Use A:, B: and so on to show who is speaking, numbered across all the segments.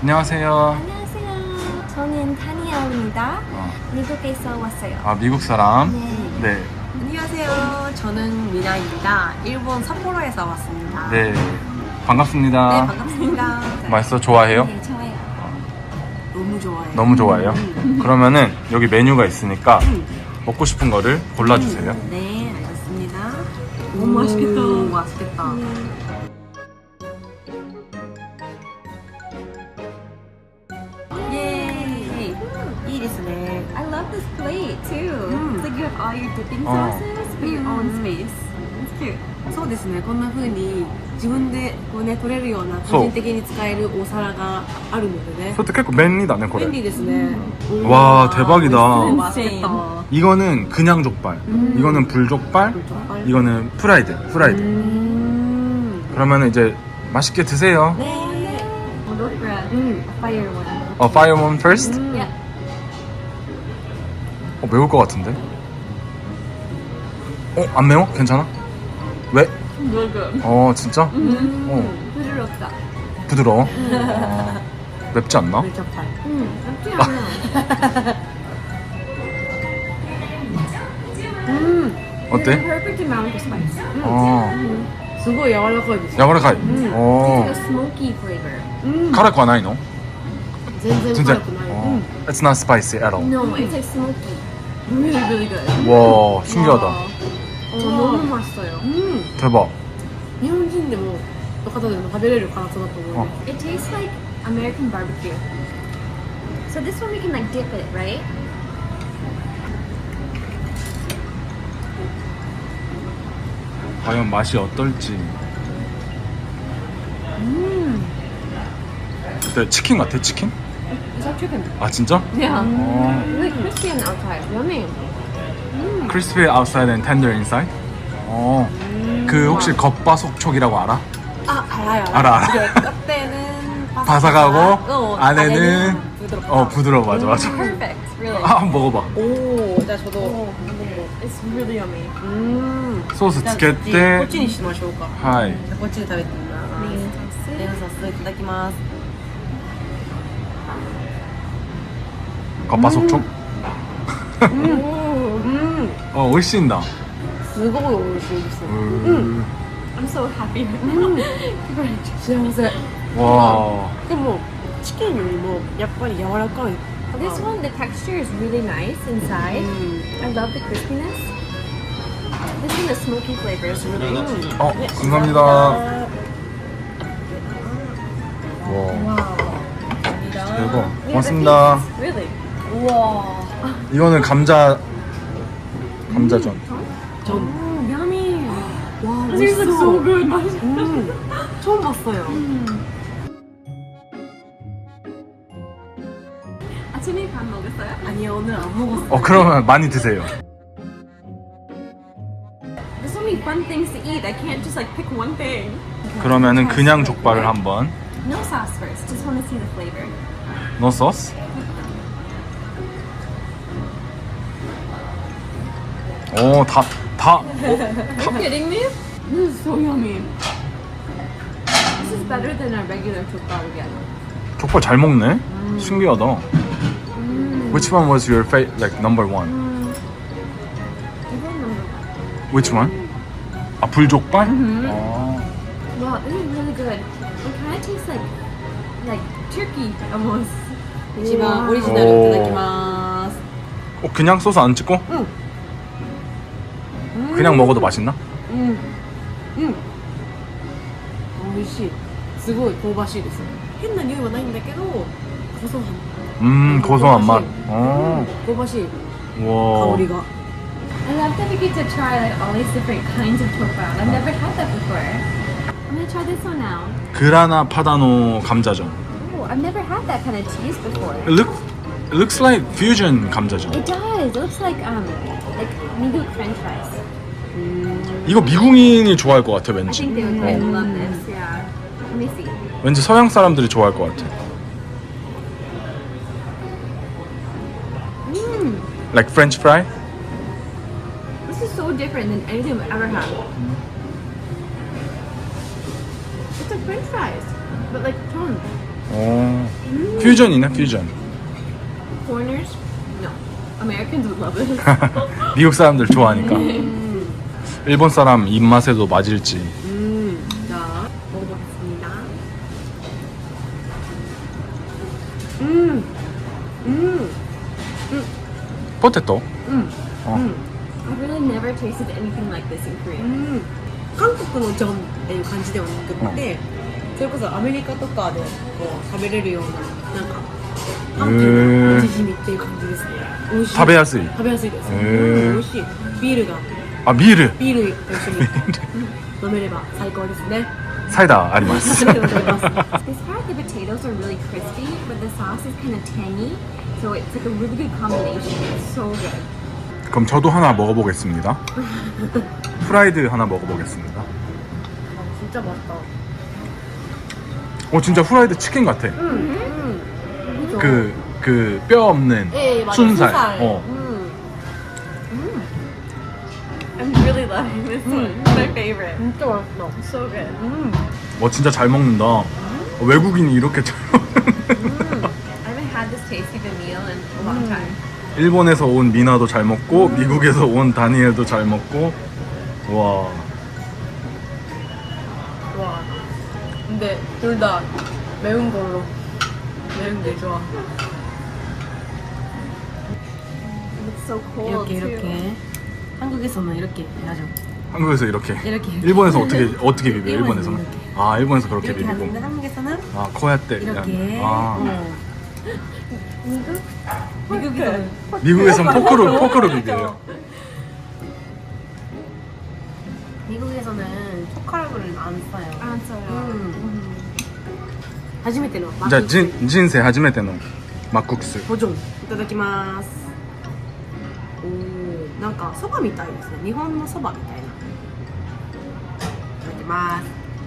A: 안녕하세요.
B: 안녕하세요. 저는 다니엘입니다. 미국에서 왔어요.
A: 아, 미국 사람. 네.
C: 안녕하세요. 저는 미나입니다. 일본 삿포로에서 왔습니다.
A: 네. 반갑습니다.
C: 네, 반갑습니다.
A: 맛있어? 좋아해요?
B: 네, 좋아요.
C: 너무 좋아해요.
A: 너무 좋아해요? 그러면은 여기 메뉴가 있으니까 먹고 싶은 거를 골라주세요.
C: 네, 알겠습니다.
B: 너무 맛있겠다.
C: 맛있겠다. 예. 이ですね.
B: I love this plate too. It's like you have all your dipping sauces, but your own space. It's cute.
C: そうですね。こんな風に自分でこうね取れるような個人的に使えるお皿があるのでね.
A: 그것도結構便利だね,
C: 便
A: 그래.
C: 利ですね.
A: 와, 대박이다.
C: 맛있겠다.
A: 이거는 그냥 족발. 이거는 불족발.
C: 족발.
A: 이거는 프라이드. 그러면 이제 맛있게 드세요.
C: 네.
B: We'll go for a fire one.
A: Fire one first.
B: Yeah.
A: 매울 것 같은데? 안 매워? 괜찮아? 왜? 진짜?
B: 부드럽다.
A: 부드러워? 맵지 않나?
C: 족발.
B: 맵지 않아요.
A: 어때?
B: Perfect amount of spice.
C: すごい柔らかいです。
A: 야가라카이.
B: It's like a smoky flavor.
A: 辛くはないの?
C: 全然辛くない。
A: It's not spicy at all.
B: No, it's like smoky. Really, really good.
A: 와, 신기하다.
B: 너무 맛있어요.
A: 대박.
C: 日本人でもの方でも食べれる辛さだと思う。
B: It tastes like American barbecue. So this one we can like dip it, right?
A: 과연 맛이 어떨지. 네, 치킨 같아, 치킨?
B: It's like chicken.
A: 아, 진짜?
B: Yeah.
A: 어.
B: Really crispy on the outside. Yummy.
A: Crispy outside and tender inside? 그 혹시 겉바속촉이라고 알아?
C: 아, 알아요.
A: 알아.
C: 이게 끝에는
A: 바삭하고 안에는
C: 부드럽다.
A: 부드러워. 맞아.
B: Perfect, really.
A: 한번 먹어봐.
C: 오, 자 저도
B: It's really yummy.
A: 소스 つけ
C: こっ
A: て
C: ちにしましょうか。
A: はい
C: じゃあこっちで食べてみます。レンソースいただきます。
A: 겉바속촉? 美味しいんだ.
C: すごい美味しいです。
B: I'm so happy right now.
C: 幸せ。
A: 와.
C: でもチキンよりもやっぱり柔らかい。
B: This one, the texture is really nice inside. I love the crispiness. This one, the smoky flavor is really good.
A: 감사합니다. 와. 대박. 고맙습니다.
B: Really? Wow.
A: 이거는 감자전.
C: yummy. 와,
B: This looks so good.
C: 처음 봤어요.
B: 아침에 밥 먹었어요?
C: 아니요, 오늘 안 먹었어요.
A: 그러면 많이 드세요.
B: There's so many fun things to eat. I can't just like pick one thing.
A: 그러면은 그냥 족발을 한번.
B: No sauce first. Just want to see the flavor.
A: No sauce? 다.
B: Are you kidding me? This is so yummy. This is better than a regular 족발 again.
A: 족발 잘 먹네. 신기하다. Which one was your like number one?
B: Even number one.
A: Which one? 아, 불족발?
B: Wow, this is really good. It kind of tastes like turkey almost.
C: 一番オリジナルいただきます。
A: 그냥 소스 안 찍고? 그냥 먹어도 맛있나?
C: 美味しい。すごい香ばしいです。変な匂いはないんだけど、고소한
A: 고소한 맛.
C: 香ばしい
A: 와.
C: 香りが。
B: I love that we get to try like all these different kinds of 족발. I've never had that before. I'm gonna try this one now.
A: 그라나 파다노 감자전.
B: Oh, I've never had that kind of cheese before.
A: It looks like fusion 감자전.
B: It does. It looks like 미국 French fries.
A: 이거 미국인이 좋아할 것 같아,
B: I
A: 왠지.
B: think they would really love this. Yeah. Let me see.
A: 왠지 서양 사람들이 좋아할 것 같아. Like French fry?
B: This is so different than anything I've ever had. It's like French fries, but like tongue.
A: 오, 퓨전이네 퓨전.
B: Foreigners? No. Americans would love this.
A: 미국 사람들 좋아하니까. 일본 사람 입맛에도 맞을지.
C: 자, 먹어보겠습니다.
A: 포테토.
B: I really never tasted anything like this in Korea.
C: 韓国のジョンっていう感じではなくって、それこそアメリカとかでこう食べれるようななんかなんていうの味しみっていう感じですね。美味しい。
A: 食べやすい。
C: 食べやすいです。
A: へー
C: 美味しい。ビールが
A: あ、ビール。
C: ビールと一緒に飲めれば最高ですね。
A: サイダーあります。
B: This part, the potatoes are really crispy, but the sauce is kind of tangy. So it's like a really good combination. It's so good.
A: 그럼 저도 하나 먹어보겠습니다. 프라이드 하나 먹어보겠습니다.
C: 진짜 맛있다.
A: 진짜 프라이드 치킨 같아.
C: 그죠?
A: 그 뼈 없는
C: 예, 맞아.
A: 순살.
B: I'm really loving this one. It's my favorite.
C: 진짜 맛있다.
B: So good.
A: 진짜 잘 먹는다. 외국인이 이렇게 잘 먹는.
B: I haven't had this tasty of a meal in a long time.
A: 일본에서 온 미나도 잘 먹고 미국에서 온 다니엘도 잘 먹고. 와.
C: 와. 근데 둘 다 매운 걸로. 매운 게 좋아.
B: It's so cold
C: 이렇게
B: too.
C: 이렇게. 한국에서는 이렇게 하죠.
A: 한국에서 이렇게.
C: 이렇게.
A: 일본에서 어떻게 비벼? 일본에서는.
C: 이렇게.
A: 아, 일본에서 그렇게
C: 이렇게
A: 비비고.
C: 하는데 한국에서는
A: 아, 코야떼.
C: 이렇게.
A: 아.
C: 미국에서는
A: 미국에선 포크로 비벼요.
C: 미국에서는 젓가락을 안 써요.
B: 안 써요.
C: 初めての
A: 자, 진세 하지메테노 막국수.
C: ボジョンいただきますおーなんかそばみたいですね日本のそばみたいないただきます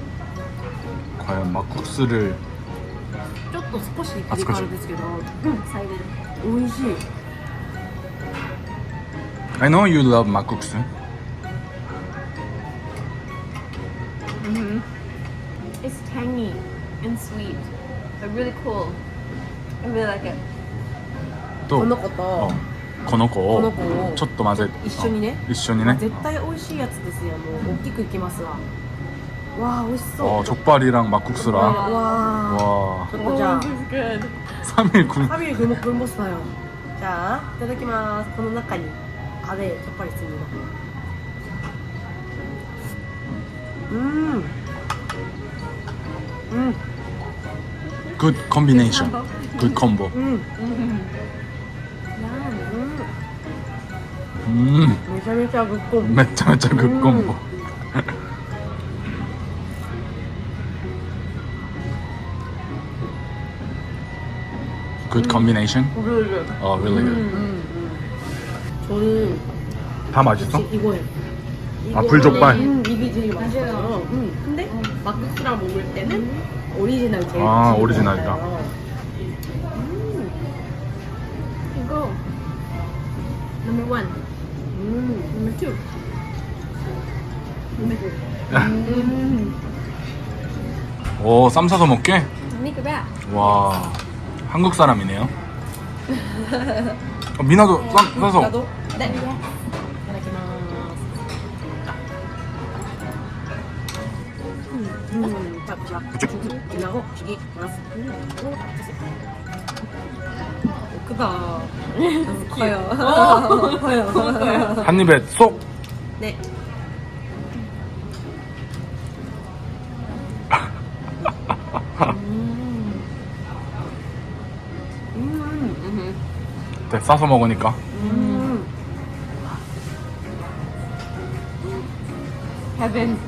A: 과연 막국수를
C: ちょっと少しピリ辛ですけど
B: Excited.
C: 美味しい
A: I know you love 막국수.
B: It's tangy and sweet, but really cool. I really like it.
A: と
C: この子と
A: この子を
C: この子を
A: ちょっと混ぜ
C: 一緒にね
A: 一緒にね
C: 絶対美味しいやつですよもう大きくいきますわわあ美味しそう
A: 족발이랑 막국수랑
C: わ
A: 와
C: ちょっとじゃあ
B: This is good.
A: 3일 군
C: 3일 굶었어요. 자, いただきます. この中に안에 젓갈이 있습니다.
A: good combination good combo
B: Yum.
C: めちゃめちゃグッコン
A: 매짜매짜 good combo good combination
C: really good.
A: really good
C: 저는
A: 다 맛있어?
C: 이거예요.
A: 아, 불족발?
C: 이게 제일 맛있어요. 근데 막국수랑 먹을 때는 오리지널 제일
A: 아,
C: 맛있는
A: 오리지널이다.
C: 것 같아요.
B: Go. Number one.
C: Number two.
A: 오, 쌈 싸서 먹게?
B: Make it back.
A: 와, 한국 사람이네요. 미나도 싸서.
C: 나도
B: 네.
C: いただきます자, 지나고 시기ます크다 커요 커요
A: 한 입에 쏙.
C: 네
A: 네, 싸서 먹으니까.
B: Heaven.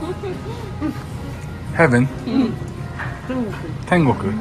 A: 헤븐. 텐고크.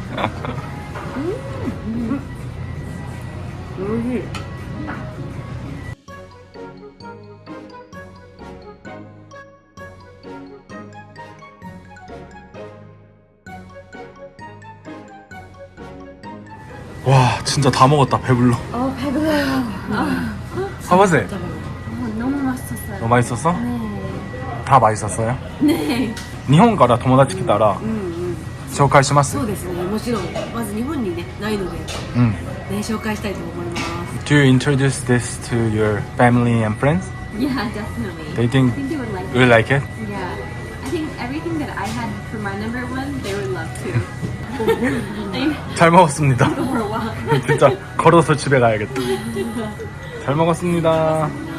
A: 와, 진짜 다 먹었다. 배불러.
B: 배불러요.
A: 사바세,
B: 너무 맛있었어요.
A: 너 맛있었어?
B: 네.
A: 다 맛있었어요?
B: 네.
A: 일본から友達来たら紹介します
C: そうですね、もちろんまず日本にねないので、ね、
A: うん
C: 紹介したいと思います。
A: Do you introduce this to your family and friends?
B: Yeah, definitely.
A: They think
B: I think they would like
A: you
B: it.
A: like it?
B: Yeah. I think everything that I had for my number one, they would love too.
A: 잘 먹었습니다
B: Go for a walk.
A: 진짜 걸어서 집에 가야겠다 잘 먹었습니다